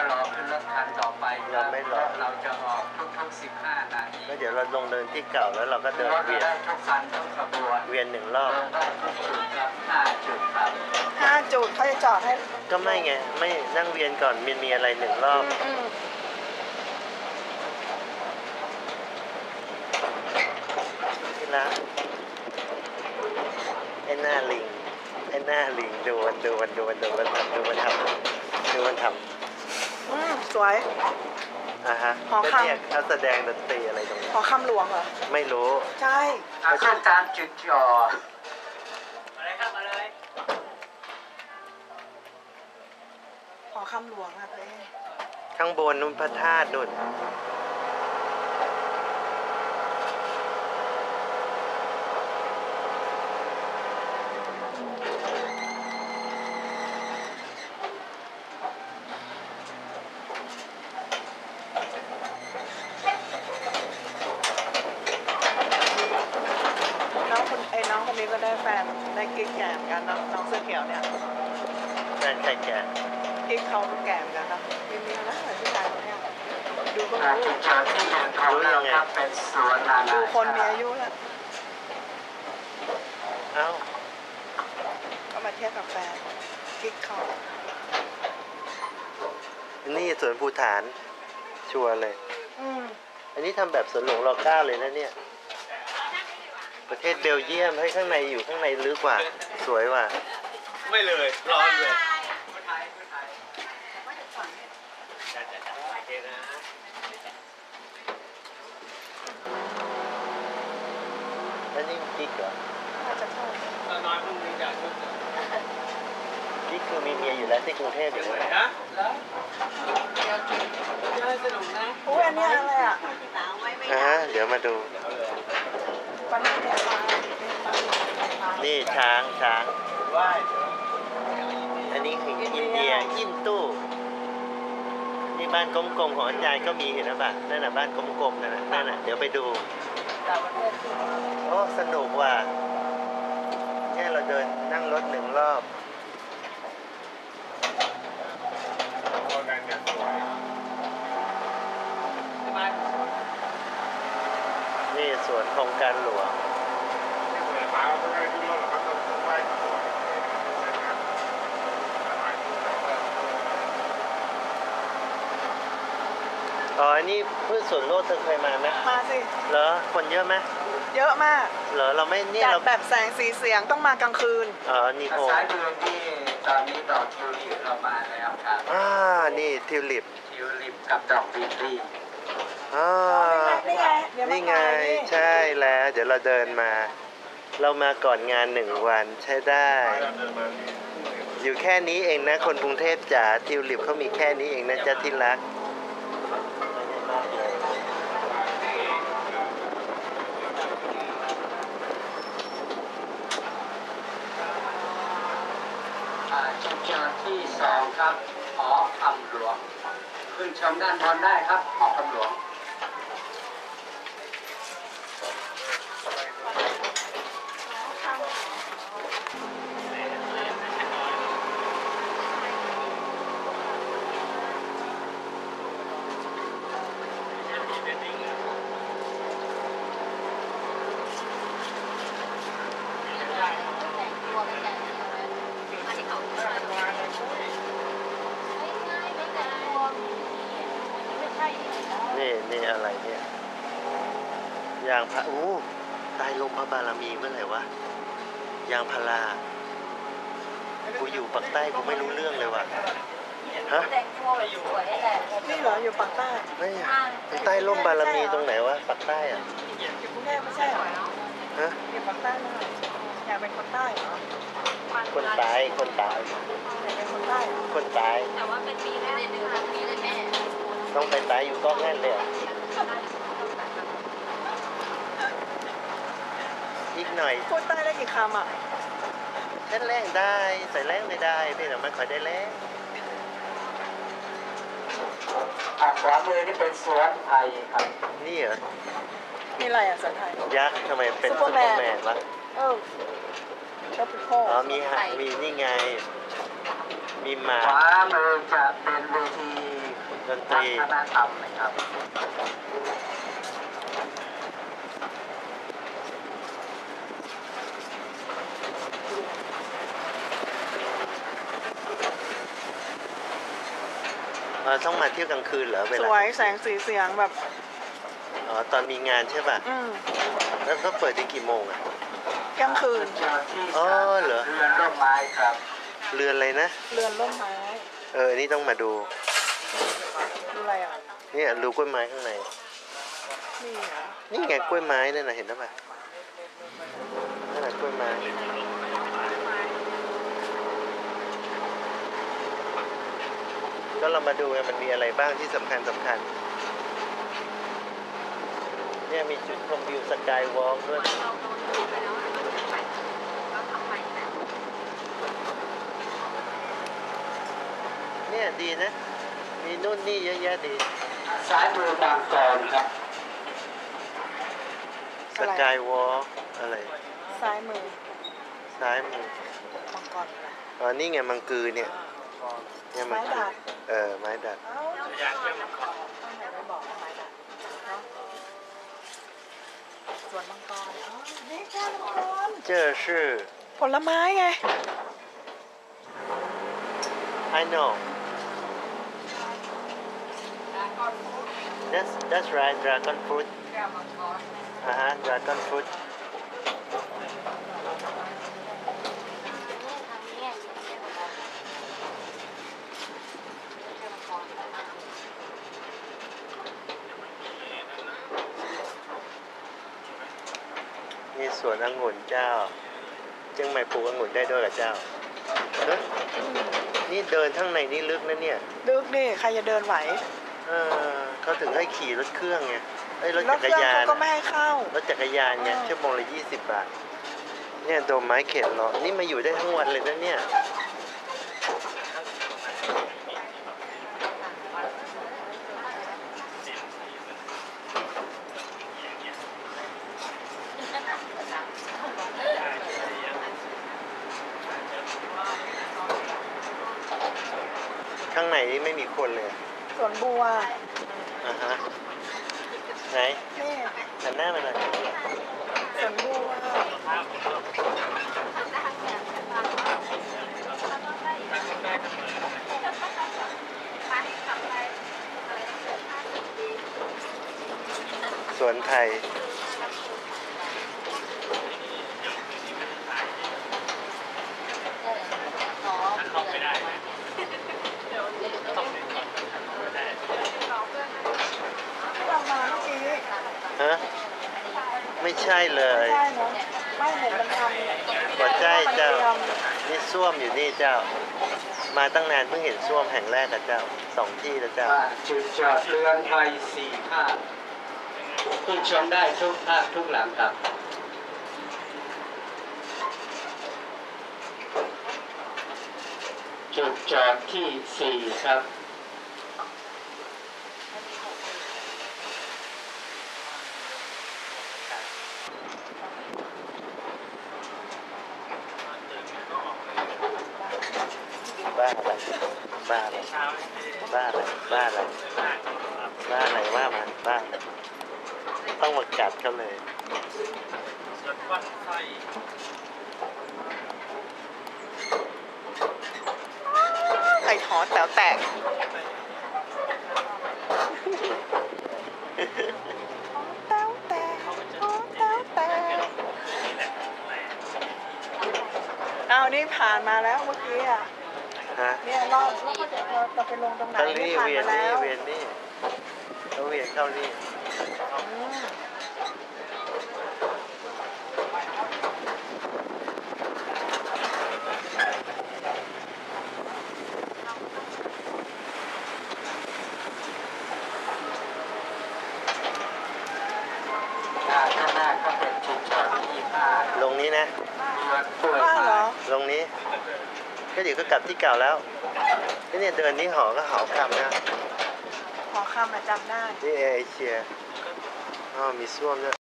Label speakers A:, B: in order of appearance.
A: รอขึ้นรถคันต่อไปเราไม่รอเราจะออกทุก15 นาที
B: ก็เดี๋ยวเราลงเดินที่เก่าแล้วเราก็เดินเวียน
A: ทุกคันทุกขบวน
B: เวียน1 รอบ
A: จุดครับ5 จุดครับ
C: 5 จุดเขาจะจอดให้
B: ก็ไม่ไงไม่นั่งเวียนก่อนมีอะไร1 รอบที่ร้านไอ้หน้าลิงดูมันทำ
C: สวย
B: ฮะ
C: หอคำ
B: เนี่ยเขาแสดงดนตรีอะไรตรงนี้
C: หอคำหลวงเหรอ
B: ไม่รู้
C: ใช่
A: ขึ้นตามจุดจอดอะไรครับมาเลย
C: หอคำหลวงอะเลย
B: ข้างบนนู้นพระธาตุนู่น
C: น้องคนนี้ก็ได้แฟนได้กิ๊กแก่เหมือนกันน้องเสื้อเขียวเนี่ย
B: แฟนใครแก่
C: กิ๊กเขาแก่เหมือนกันนะมีอะไรเหมือนผู้ชายคนนี้ดูก็
A: รู้จุดจอดที่เดินของเราครับเป็นสวนนานา
C: ดูคนมีอายุแล้วก็มาเทียบกับแฟนกิ๊กเขา
B: นี่สวนภูฐานชัวร์เลยอันนี้ทำแบบสวนหลวงร.9เลยนะเนี่ยประเทศเบลเยียมให้ข้างในอยู่ข้างในลึกกว่าสวยว่ะ
A: ไม่เลยร้อนเลย
B: แล้วนี่กิ๊กเหรอ
C: น่าจะใช่
A: น้อยพรุ่งนี้จะชุด
B: กิ๊กคือมีเมียอยู่แล้วที่กรุงเทพอยู่เลย
A: นะแล้วจะสนุกนะ
C: อุ้ยอันนี้อะไรอ่ะ
B: เดี๋ยวมาดู
C: ปันนี้
B: นี่ช้างอันนี้คืออินเดียยินตู้นี่บ้านกลมๆของอาจารย์ก็มีเห็นไหมบ้างนั่นน่ะบ้านกลมๆนั่นน่ะเดี๋ยวไปดูโอ้สนุกว่ะเนี่ยเราเดินนั่งรถ1 รอบนี่สวนโครงการหลวงอันนี้พืชสวนโลกเธอเคยมาไหม
C: มาสิ
B: เหรอคนเยอะไหม
C: เยอะมาก
B: เหรอเราไม่เนี่ย
C: เราแบบแสงสีเสียงต้องมากลางคืน
B: นี่โฮ
A: สายเดือนที่ตอนนี้ดอกทิวลิปเรามาแล้วครับ
B: นี่ทิวลิป
A: กับดอกลิลลี่
B: นี่ไงใช่แล้วเดี๋ยวเราเดินมาเรามาก่อนงาน1 วันใช้ได้อยู่แค่นี้เองนะคนกรุงเทพจ๋าทิวลิปเขามีแค่นี้เองนะจ๊ะที่รัก
A: จุดจอดที่2ครับหอคำหลวงขึ้นชมด้านบนได้ครับหอคำหลวง
B: นี่อะไรเนี่ยยางพาใต้ลมพระบารมีเมื่อไหร่วะยางพารากูอยู่ปากใต้กูไม่รู้เรื่องเลยว่ะฮะ
C: นี่เหรออยู่ปากใต้
B: ไม่ใต้ร่มบารมีตรงไหนวะปากใต้
C: อยู่กรุงเทพไม่ใช่เหรอ
B: ฮะ
C: อยู่ปากใต้เลยอยากเป็นคนใต้เหรอ
B: คนตาย
C: เป็นคนใต้
B: คนตาย
D: แต่ว่าเป็นปีได้เดือนปีเลยแม่
B: ต้องไปตายอยู่ก็งั้นเลยอีกหน่อย
C: พูดใต้ได้กี่คำอ่ะ
B: เล่นแรงได้ใส่แรงไม่ได้พี่แต่ไม่ค่อยได้แรง
A: ขวามือนี่เป็นสวนไทยครับ
B: นี่เหรอ
C: มีอะไรอ่ะสวนไทย
B: ยักษ์ทำไมเป็นซุปเปอร์แมนวะมีนี่ไงมีหมา
A: ขวามือจะเป็นเวที
B: ดนต
A: วั
B: รี
A: ฒนธรรมนะครับ
B: ต้องมาเที่ยวกลางคืนเหรอเว
C: ส
B: ลา
C: วยแสงสีเสียงแบบ
B: อ๋อตอนมีงานใช่ป่ะ แล้วก็เปิดถึงกี่โมงอ่ะ
C: กลางคืน
A: เจอที่
B: อ๋อเหรอ
A: เรือนร่มไม้ครับ
B: เรือนอะไรนะ
C: เรือนร่มไม้
B: นี่ต้องมาดู
C: ดูอะไรอ่ะ
B: เนี่ยรูกล้วยไม้ข้างใน
C: นี่เหรอ
B: นี่ไงกล้วยไม้นั่นน่ะเห็นหรือเปล่านั่นน่ะกล้วยไม้ ก็เรามาดูไงมันมีอะไรบ้างที่สำคัญเนี่ยมีจุดชมวิวสกายวอล์กด้วย เนี่ยดีนะ มีนู่นนี่เยอะแยะดี
A: ซ้ายมือบางกรครับ
B: สกายวอล์กอะไร
C: ซ้ายมือ
B: ซ้ายมือ
C: มังกรอะไร
B: อ๋อนี่ไงมังกือเนี่ยเนี่ย
C: ไม้
B: กือ
C: ดัด
B: ไม้ดัด
C: เอ้าอยากเที่ยวมังกรต้องไหนไม่บอกว่าไม้ดัดเนาะสวนมังกรอ๋อนี่แค่มังกร
B: เจอชื่อ
C: ผลไม้ไง
B: I know that's right dragon fruit ฮะ dragon fruit มีสวนองุ่นเจ้าเชียงใหม่ปลูกองุ่นได้ด้วยกับเจ้าเฮ้ยนี่เดินทั้งในนี่ลึกนะเนี่ย
C: ดึกดิใครจะเดินไหว
B: เขาถึงให้ขี่รถเครื่องไงรถ
C: ร
B: จั
C: ถ
B: ก
C: เค
B: ร
C: รื่อง
B: ยาน
C: เขาก็ไม่ให้เข้า
B: รถจักรยานไงชั่วโมงละ20 บาท เนี่ยโดมไม้เข็นเหรอ นี่มาอยู่ได้ทั้งวันเลยนะเนี่ย ข้างในนี่ไม่มีคนเลย
C: สวนบัว
B: อ่าฮะ ไหน
C: นี่
B: หันหน้ามาหน่อย
C: สวนบัว
B: สวนไทย
C: เรามาเมื่อกี้
B: ฮะ ไม่ใช่เลย
C: ไม่ใช่เนาะไม่เห็นมันทำ
B: หัวใจเจ้า
C: มันตรียม
B: นี่ส้วมอยู่นี่เจ้า มาตั้งนานเพิ่งเห็นส้วมแห่งแรกกับเจ้า2 ที่แล้วเจ้า
A: บ้านจุดจอดเรือนไทย4 ภาคขึ้นชมได้ทุกภาคทุกหลังครับ จุดจอดที่ 4 ครับ
B: บ้าอะไร บ้าอะไร บ้าอะไร บ้าอะไร บ้าอะไรว่ามาบ้าอะไรต้องมากัดเขาเลย
C: ไข่ถอนแต๋วแตกแต๋วแตกแต๋วแตกเอานี่ผ่านมาแล้วเมื่อกี้อ่ะ
B: ฮะ
C: เนี่ยรอบแล้วก็จะไปลงตรงไหน
B: เขา
C: นี่
B: นี่
C: ผ่าน
B: เวีย
C: มาน
B: นี่
C: แล้ว
B: เวียนนี่เขาเวียนเข้านี่
C: อืม
A: ข้างหน้าก็เป็นจุดจอดที่5
B: ลงนี้นะ
A: เรือนกล้วย
C: บ้าเหร
A: ไม้
C: อ
B: ลงนี้ ก็เดี๋ยวก็กลับที่เก่าแล้วนี่เนี่ยเดินนี่หอก็หอคำนะ
C: ขอคำมาจำได้
B: นี่เอเชียอ๋อมีส้วมด้วย